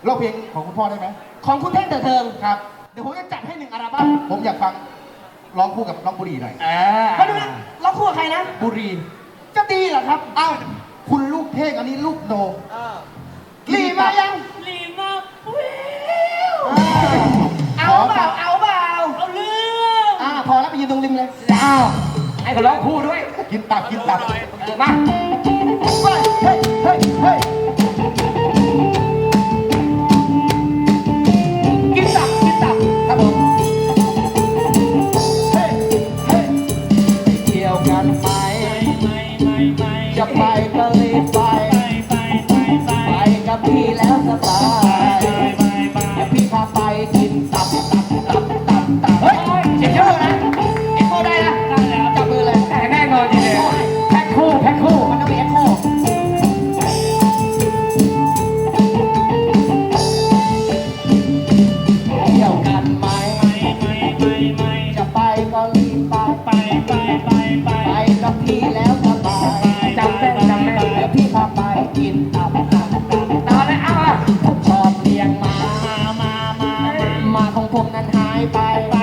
ร้องเพลงของคุณพ่อได้ไหมของคุณเท่งเถิดเทิงครับเดี๋ยวผมจะจัดให้1 อัลบั้มผมอยากฟังร้องคู่กับน้องบุรีหน่อยมาดูนะร้องคู่กับใครนะบุรีจะดีเหรอครับอ้าวคุณลูกเท่งอันนี้ลูกโนลีมายังลีมาวิวเอาเปล่าเอาเรื่องพอแล้วไปยืนตรงริมเลยให้เขาร้องคู่ด้วยกินตับมาเฮ้ยกินตับครับผมเที่ยวกันไหมจะไปก็รีบไปกับพี่แล้วสบายเดี๋ยวพี่พาไปกินตับเฮ้ยเสียงเยอะนะเอ็กโคได้นะจับมือเลยแต่แน่นอนจริงเลยแพ็คคู่มันต้องมีเอ็กโคเที่ยวกันไหมจะไปก็รีบไปกับพี่แล้วสบายจำแม่นเดี๋ยวพี่พาไปกินตับตอนนั้นเอาผมชอบเลี้ยงมาของผมนั้นหายไป